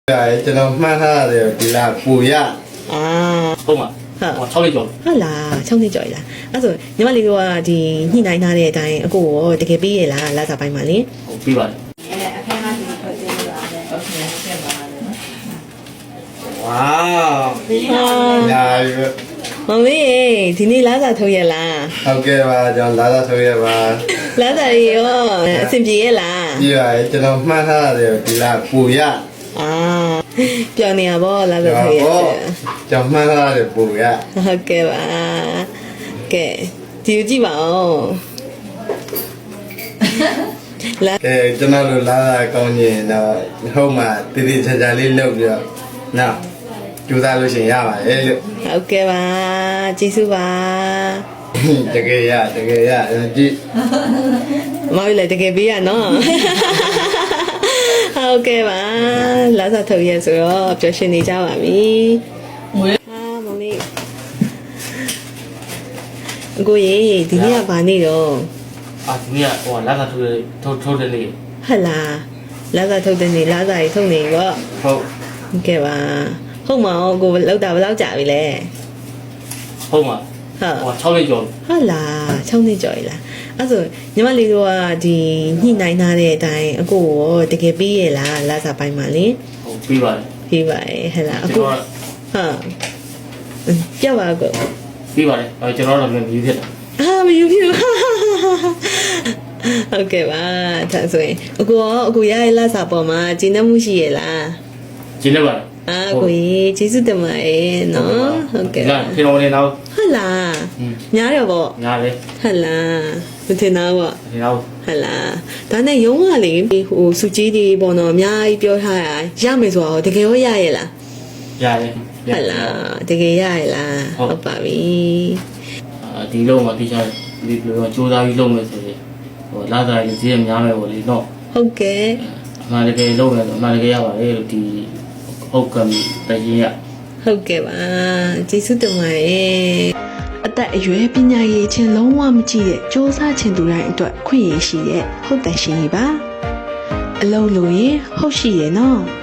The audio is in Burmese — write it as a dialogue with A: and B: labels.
A: ကျွန်တော်မှန်းထားရတယ်ဒီလားပူရ
B: ဟုတ်မှာ6လေးကျော်
C: ဟုတ်လား6နှစ်ကျော်လားအဲ့ဆိုညီမလေးတို့ကဒီညှိနှိုင်းထားတဲ့အတိုင်းအကိုရောတကယ်ပြီးရလားလာစားပိုင်းမှာလေ
B: ဟုတ်ပြီးပါတယ်
D: အခန်းကဒီထွက်တင်လာတယ်ဟုတ်ကဲ့ဆက်ပါမယ်
A: ဝါညာပြီ
C: မမီးဒီနေ့လာစားထုတ်ရလား
A: ဟုတ်ကဲ့ပါကျွန်တော်လာသာဆိုရပါ
C: လာစားရရောအဆင်ပြေရလား
A: ပြီးပါကျွန်တော်မှန်းထားရတယ်ဒီလားပူရ
C: ပြောင်းနေရပါလာစားထုတ်ရ
A: ကျွန်တော်မှန်းထားရတယ်ပူရ
C: ဟုတ်ကဲ့ပါကဲဒီကြည့်ပါဦးလာ
A: ကျွန်တော်တို့လာသာကောင်းရင်တော့ဟုတ်မှာတည်တည်ချာချာလေးလုပ်ပြီးတော့နော်ကြိုးစားလို့ရှိရင်ရပါတယ်လို့
C: ဟုတ်ကဲ့ပါကျေးဇူးပါ
A: တကယ်ရကြည့်
C: မောင်လည်းတကယ်ပေးရနော်ဟုတ်ကဲ့ပါလာစားထုတ်ရဆိုတော့ပျော်ရွှင်နေကြပါပြီမမေအကိုရေဒီနေ့ကဘာနေ့တော့
B: ဒီနေ့ကလာသာထုတ်တဲ့နေ့
C: ဟတ်လားလာစားထုတ်တဲ့နေ့လာစားရီထုတ်နေပေါ့
B: ဟုတ်
C: ဟုတ်ကဲ့ပါဟုတ်မအောင်ကိုလောက်တာဘယ်လောက်ကြာပြီလဲ
B: ဟုတ်မှာ
C: ဟုတ်
B: 6လေးကျော်
C: ဟုတ်လား6နှစ်ကျော်ပြီလားအဲ့ဆိုညီမလေးတို့ကဒီညှိနှိုင်းထားတဲ့အတိုင်းအကိုရောတကယ်ပြီးရလားလာစားပိုင်းမှာလေ
B: ဟုတ်ပြီးပါတယ်
C: ပြီးပါရဲ့ဟဲ့လားအကိုဟုတ်ပြပါကို
B: ပြီးပါတယ်ကျွန်တော်တို့လည်းမြည်ဖြစ်တာ
C: မယူပြဟုတ်ကဲ့ပါဒါဆိုရင်အကိုရရဲ့လာစားပေါ်မှာဂျင်းနှမှုရှိရလား
B: ကျင်းနေပါတယ်
C: ကိုကြီးကျေးဇူးတင်ပါတယ်နော်ဟုတ်ကဲ့
B: လာဖေတော်နေတော့
C: ဟုတ်လားညားရပေါ့
B: ညာလေ
C: ဟုတ်လားမထင်တော့ပေါ့
B: ဒီတော့
C: ဟုတ်လားဒါနဲ့ရုံးကလေဟိုစုကြီးတွေပေါ့နော်အများကြီးပြောထားတာရမယ်ဆိုတော့တကယ်ရောရရဲ့လား
B: ရတယ်
C: ဟုတ်လားတကယ်ရရဲ့လားဟုတ်ပါပြီ
B: ဒီလုံးမှာတိကျဒီလိုစူးစမ်းပြီးလုပ်မယ်ဆိုရင်လာသာရေးဈေးများမယ်ပေါ့လေနော်
C: ဟုတ်ကဲ့
B: အမှန်တကယ်လုပ်မယ်ဆိုအမှန်တကယ်ရပါတယ်လို့ဒီဟုတ်ကံတရင်ရ
C: ဟုတ်ကဲ့ပါကျေးဇူးတင်ပါတယ်အသက်အရွယ်ပညာရည်ချင်းလုံးဝမကြည့်တဲ့စ조사ခြင်းသူတိုင်းအတွက်ခွင့်ရရှိတဲ့ဟုတ်တယ်ရှင်ကြီးပါအလုံးလို့ရင်ဟုတ်ရှိရဲ့နော်